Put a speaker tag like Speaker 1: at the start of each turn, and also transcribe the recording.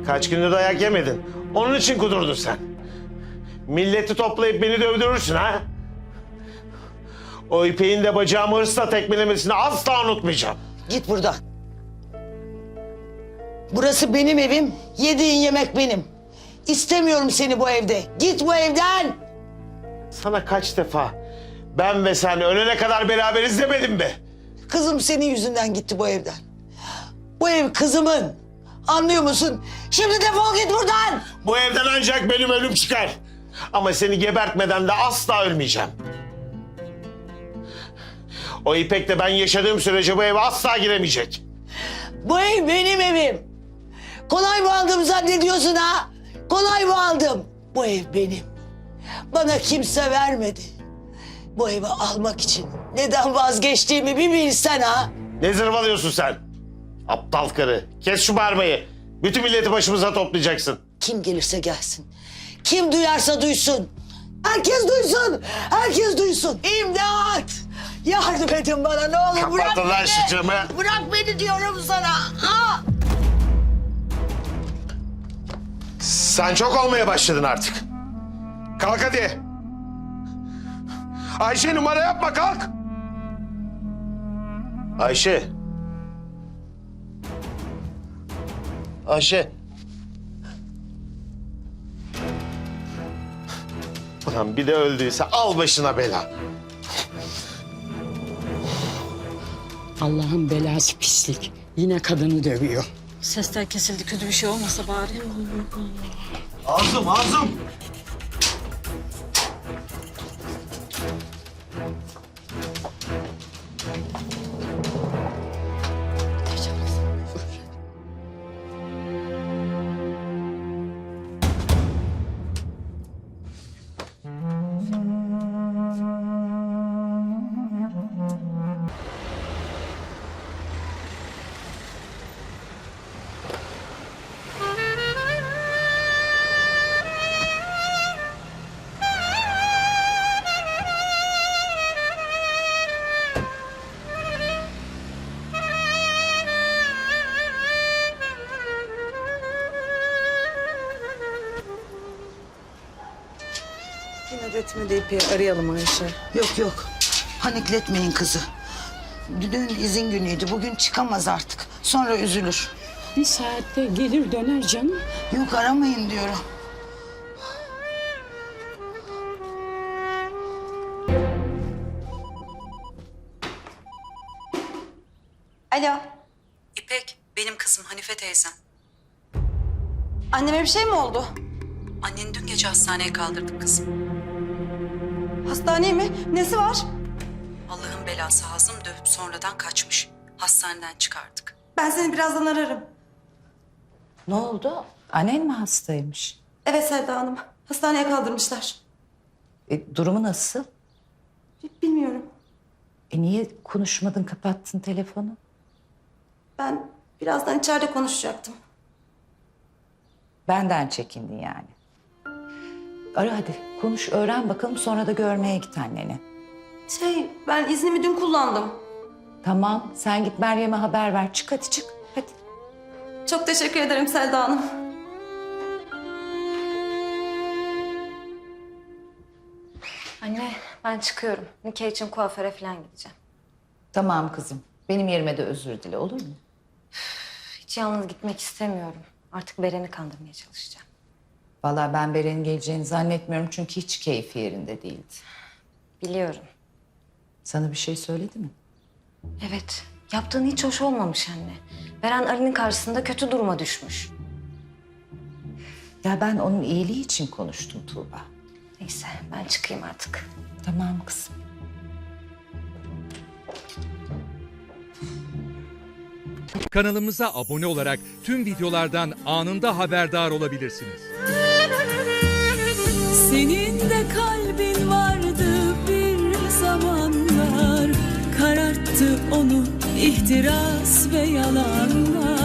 Speaker 1: Kaç gündür dayak yemedin. Onun için kudurdun sen. Milleti toplayıp beni dövdürürsün ha? O İpek'in de bacağımı hırsla tekmelemesini asla unutmayacağım.
Speaker 2: Git buradan. Burası benim evim. Yediğin yemek benim. İstemiyorum seni bu evde. Git bu evden.
Speaker 1: Sana kaç defa ben ve sen ölene kadar beraberiz demedim mi?
Speaker 2: Kızım senin yüzünden gitti bu evden. Bu ev kızımın. Anlıyor musun? Şimdi defol git buradan.
Speaker 1: Bu evden ancak benim ölüm çıkar. Ama seni gebertmeden de asla ölmeyeceğim. O İpek'le ben yaşadığım sürece bu eve asla giremeyecek.
Speaker 2: Bu ev benim evim. Kolay mı aldım zannediyorsun ha? Kolay mı aldım? Bu ev benim. Bana kimse vermedi. Bu evi almak için neden vazgeçtiğimi bir bilsen ha.
Speaker 1: Ne zırvalıyorsun sen? Aptal karı. Kes şu bağırmayı. Bütün milleti başımıza toplayacaksın.
Speaker 2: Kim gelirse gelsin. Kim duyarsa duysun. Herkes duysun. Herkes duysun. İmdat! Yardım edin bana ne olur. Bırak
Speaker 1: Kapatın lan
Speaker 2: beni.
Speaker 1: şu camı.
Speaker 2: Bırak beni diyorum sana. Ha!
Speaker 1: Sen çok olmaya başladın artık. Kalk hadi. Ayşe numara yapma kalk. Ayşe. Ayşe. Ulan bir de öldüyse al başına bela.
Speaker 3: Allah'ın belası pislik. Yine kadını dövüyor.
Speaker 4: Sesler kesildi, kötü bir şey olmasa bari.
Speaker 1: Ağzım.
Speaker 4: İnat etme de İpek'i arayalım Ayşe.
Speaker 2: Yok. Panikletmeyin kızı. Dün izin günüydü. Bugün çıkamaz artık. Sonra üzülür.
Speaker 3: Bir saatte gelir döner canım.
Speaker 2: Yok aramayın diyorum.
Speaker 5: Alo.
Speaker 6: İpek, benim kızım Hanife teyzem.
Speaker 5: Anneme bir şey mi oldu?
Speaker 6: Anneni dün gece hastaneye kaldırdık kızım.
Speaker 5: Hastaneye mi? Nesi var?
Speaker 6: Allah'ın belası Hazım dövüp sonradan kaçmış. Hastaneden çıkardık.
Speaker 5: Ben seni birazdan ararım.
Speaker 7: Ne oldu? Annen mi hastaymış?
Speaker 5: Evet Selda Hanım. Hastaneye kaldırmışlar.
Speaker 7: Durumu nasıl?
Speaker 5: Bilmiyorum.
Speaker 7: Niye konuşmadın, kapattın telefonu?
Speaker 5: Ben birazdan içeride konuşacaktım.
Speaker 7: Benden çekindin yani. Ara hadi, konuş, öğren bakalım, sonra da görmeye git anneni.
Speaker 5: Ben iznimi dün kullandım.
Speaker 7: Tamam, sen git Meryem'e haber ver. Çık hadi çık, hadi.
Speaker 5: Çok teşekkür ederim Selda Hanım. Anne, ben çıkıyorum. Nikah için kuaföre falan gideceğim.
Speaker 7: Tamam kızım, benim yerime de özür dile, olur mu?
Speaker 5: Hiç yalnız gitmek istemiyorum. Artık Beren'i kandırmaya çalışacağım.
Speaker 7: Vallahi ben Beren'in geleceğini zannetmiyorum çünkü hiç keyfi yerinde değildi.
Speaker 5: Biliyorum.
Speaker 7: Sana bir şey söyledi mi?
Speaker 5: Evet, yaptığın hiç hoş olmamış anne. Beren Ali'nin karşısında kötü duruma düşmüş.
Speaker 7: Ya ben onun iyiliği için konuştum Tuğba.
Speaker 5: Neyse, ben çıkayım artık.
Speaker 7: Tamam kızım.
Speaker 8: Kanalımıza abone olarak tüm videolardan anında haberdar olabilirsiniz.
Speaker 9: Senin de kalbin vardı bir zamanlar, kararttı onu ihtiras ve yalanlar.